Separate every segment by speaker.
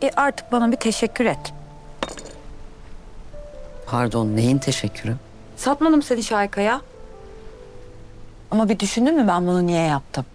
Speaker 1: Artık bana bir teşekkür et.
Speaker 2: Pardon, neyin teşekkürü?
Speaker 1: Satmadım seni Şayka'ya. Ama bir düşündün mü ben bunu niye yaptım?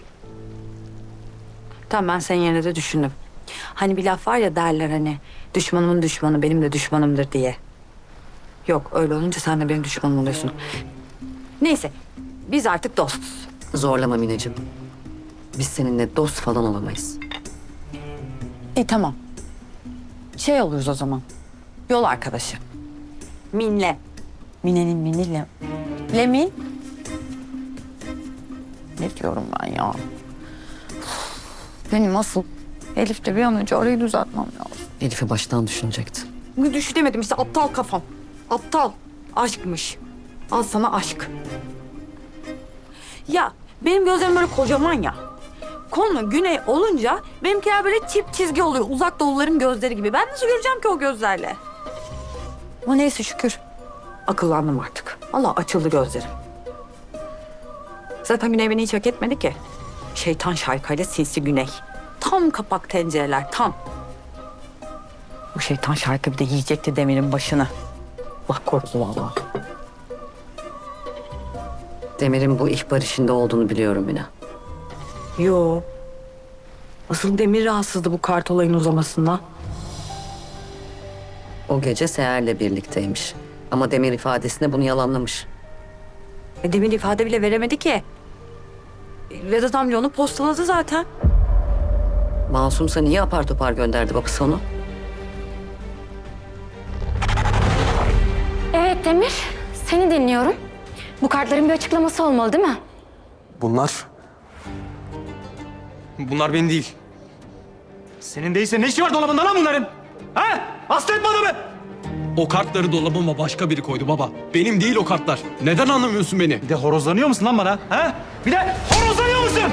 Speaker 1: Tamam, ben senin yerine de düşündüm. Hani bir laf var ya, derler hani düşmanımın düşmanı benim de düşmanımdır diye. Yok, öyle olunca sen de benim düşmanım oluyorsun. Neyse, biz artık dostuz.
Speaker 2: Zorlama Mineciğim. Biz seninle dost falan olamayız.
Speaker 1: Tamam. Şey oluruz o zaman. Yol arkadaşı. Minle. Mine'nin miniyle. Lemin. Ne diyorum ben ya? Benim asıl Elif'le bir an önce arayı düzeltmem lazım.
Speaker 2: Elif'i baştan düşünecekti.
Speaker 1: Düşünemedim işte, aptal kafam. Aptal. Aşkmış. Al sana aşk. Ya benim gözlerim böyle kocaman ya. Konu güney olunca benimkiler böyle çift çizgi oluyor. Uzak doğuların gözleri gibi. Ben nasıl göreceğim ki o gözlerle? Ama neyse şükür. Akıllandım artık. Allah açıldı gözlerim. Zaten Güney beni hiç hak etmedi ki. Şeytan Şayka'yla sinsi Güney. Tam kapak tencereler, tam. Bu şeytan Şayka bir de yiyecekti Demir'in başını. Allah korusun vallahi.
Speaker 2: Demir'in bu ihbar işinde olduğunu biliyorum Mine.
Speaker 1: Yo. Asıl Demir rahatsızdı bu kart olayın uzamasından.
Speaker 2: O gece Seher'le birlikteymiş. Ama Demir ifadesinde bunu yalanlamış.
Speaker 1: Demir ifade bile veremedi ki. Vedat amca onu postaladı zaten.
Speaker 2: Masumsa niye apar topar gönderdi babası onu?
Speaker 3: Evet Demir, seni dinliyorum. Bu kartların bir açıklaması olmalı değil mi?
Speaker 4: Bunlar benim değil. Senin değilse ne işi var dolabında lan bunların? Ha? Hasta etme adamı!
Speaker 5: O kartları dolabıma başka biri koydu baba. Benim değil o kartlar. Neden anlamıyorsun beni?
Speaker 4: Bir de horozlanıyor musun lan bana? Ha? Bir de horozlanıyor musun?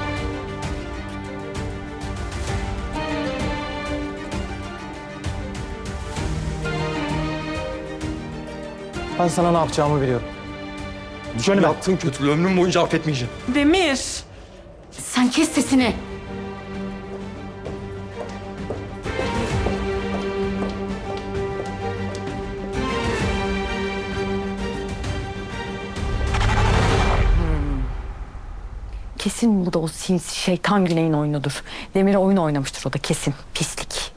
Speaker 4: Ben sana ne yapacağımı biliyorum. Düş önüme.
Speaker 5: Yaptığın kötülüğü ömrüm boyunca affetmeyeceğim.
Speaker 1: Demir.
Speaker 3: Sen kes sesini.
Speaker 1: Kesin bu da o sinsi şeytan Güney'in oyunudur. Demir'e oyun oynamıştır o da kesin. Pislik.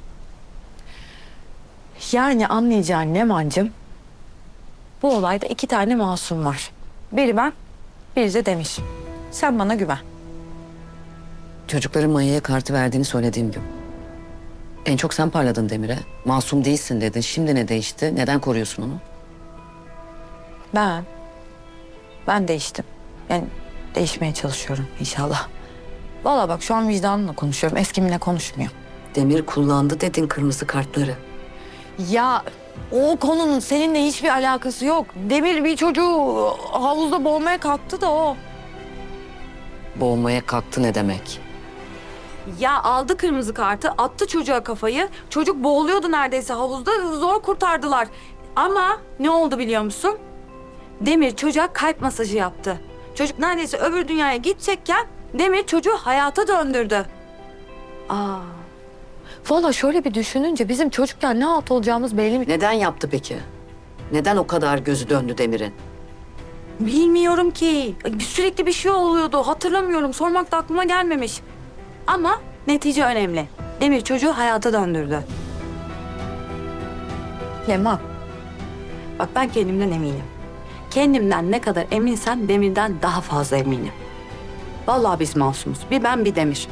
Speaker 1: Yani anlayacağın Nemancığım, bu olayda 2 tane masum var. Biri ben, biri de Demir. Sen bana güven.
Speaker 2: Çocukların Maya'ya kartı verdiğini söylediğim gün. En çok sen parladın Demir'e. Masum değilsin dedin. Şimdi ne değişti? Neden koruyorsun onu?
Speaker 1: Ben değiştim. Yani değişmeye çalışıyorum inşallah. Vallahi bak şu an vicdanımla konuşuyorum. Eskimle konuşmuyorum.
Speaker 2: Demir kullandı dedin kırmızı kartları.
Speaker 1: Ya o konunun seninle hiçbir alakası yok. Demir bir çocuğu havuzda boğmaya kalktı da o.
Speaker 2: Boğmaya kalktı ne demek?
Speaker 1: Ya aldı kırmızı kartı, attı çocuğa kafayı. Çocuk boğuluyordu neredeyse havuzda. Zor kurtardılar. Ama ne oldu biliyor musun? Demir çocuğa kalp masajı yaptı. Çocuk neredeyse öbür dünyaya gidecekken Demir çocuğu hayata döndürdü. Aa. Vallahi şöyle bir düşününce bizim çocukken ne halt olacağımız belli mi?
Speaker 2: Neden yaptı peki? Neden o kadar gözü döndü Demir'in?
Speaker 1: Bilmiyorum ki. Sürekli bir şey oluyordu. Hatırlamıyorum. Sormak da aklıma gelmemiş. Ama netice önemli. Demir çocuğu hayata döndürdü. Leman. Bak ben kendimden eminim. Kendimden ne kadar eminsem Demir'den daha fazla eminim. Vallahi biz masumuz. Bir ben bir Demir.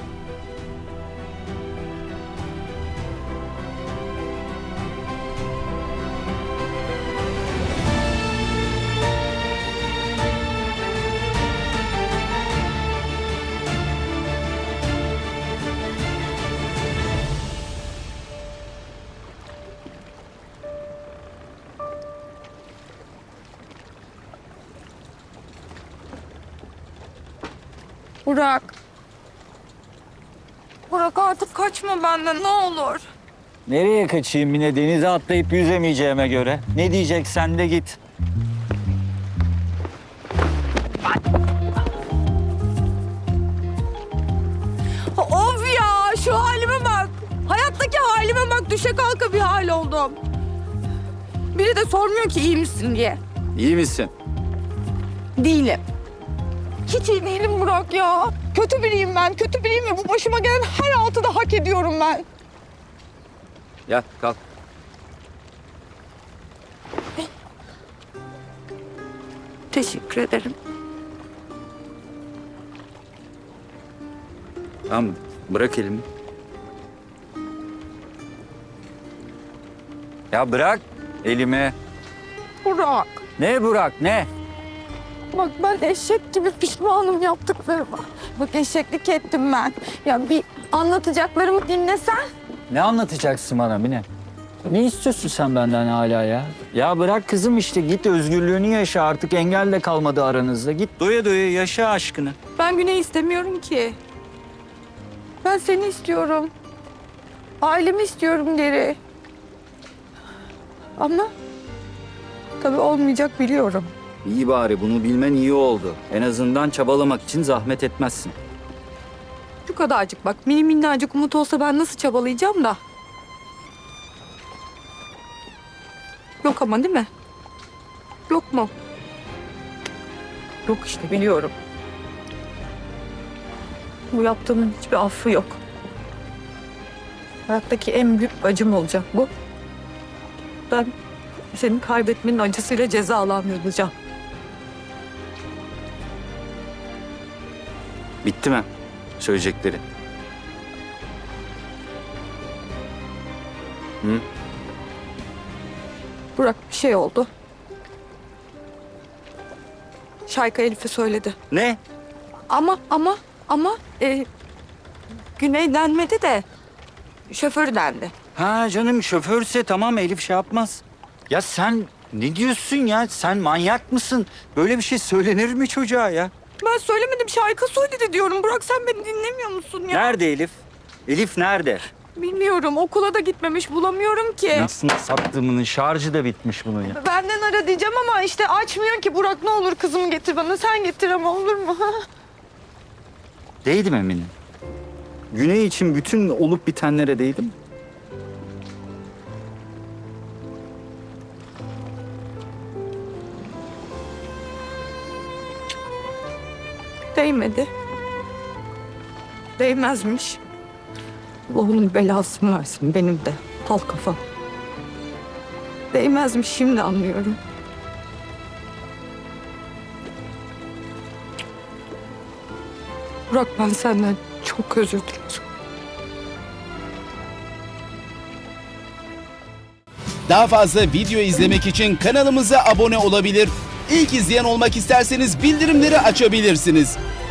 Speaker 1: Burak. Burak artık kaçma benden ne olur.
Speaker 6: Nereye kaçayım yine denize atlayıp yüzemeyeceğime göre? Ne diyeceksen de git.
Speaker 1: Of ya şu halime bak. Hayattaki halim. Halime bak, düşe kalka bir hal oldum. Biri de sormuyor ki iyi misin diye.
Speaker 6: İyi misin?
Speaker 1: Değilim. Hiç iyi değilim Burak ya. Kötü biriyim ben, kötü biriyim ve bu başıma gelen her altı da hak ediyorum ben.
Speaker 6: Gel kalk.
Speaker 1: Teşekkür ederim.
Speaker 6: Tamam bırak elimi. Ya bırak elimi.
Speaker 1: Burak,
Speaker 6: Ne Burak ne?
Speaker 1: bak ben eşek gibi pişmanım yaptıklarıma. Bak eşeklik ettim ben. Ya bir anlatacaklarımı dinlesen.
Speaker 6: Ne anlatacaksın bana Mine? Ne istiyorsun sen benden hala ya? Ya bırak kızım işte git özgürlüğünü yaşa artık engel de kalmadı aranızda. Git doya doya yaşa aşkını.
Speaker 1: Ben Güney istemiyorum ki. Ben seni istiyorum. Ailemi istiyorum geri. Ama tabii olmayacak biliyorum.
Speaker 6: İyi bari bunu bilmen iyi oldu. En azından çabalamak için zahmet etmezsin.
Speaker 1: Şu kadarcık bak, mini minnacık umut olsa ben nasıl çabalayacağım da. Yok ama değil mi? Yok mu? Yok işte, biliyorum. Bu yaptığımın hiçbir affı yok. Hayattaki en büyük acım olacak bu. Ben senin kaybetmenin acısıyla cezalandırılacağım.
Speaker 6: Bitti mi söyleyecekleri? Hı?
Speaker 1: Burak, bir şey oldu. Şayka Elif'e söyledi.
Speaker 6: Ne?
Speaker 1: Ama Güney denmedi de şoförü dendi.
Speaker 6: Ha canım şoförse tamam Elif şey yapmaz. Ya sen ne diyorsun ya? Sen manyak mısın? Böyle bir şey söylenir mi çocuğa ya?
Speaker 1: Ben söylemedim, Şayka söyledi diyorum. Burak, sen beni dinlemiyor musun ya?
Speaker 6: Nerede Elif? Elif nerede?
Speaker 1: Bilmiyorum, okula da gitmemiş, bulamıyorum ki.
Speaker 6: Nasıl sattığımın şarjı da bitmiş bunun ya.
Speaker 1: Benden ara diyeceğim ama işte açmıyor ki. Burak, ne olur kızımı getir bana, sen getir ama, olur mu?
Speaker 6: Değdim eminim. Güney için bütün olup bitenlere değdim.
Speaker 1: Değmedi. Değmezmiş. Allah'ın belasını versin benim de. Tal kafa. Değmezmiş, şimdi anlıyorum. Burak, ben senden çok özür dilerim.
Speaker 7: Daha fazla video izlemek için kanalımıza abone olabilir. İlk izleyen olmak isterseniz bildirimleri açabilirsiniz.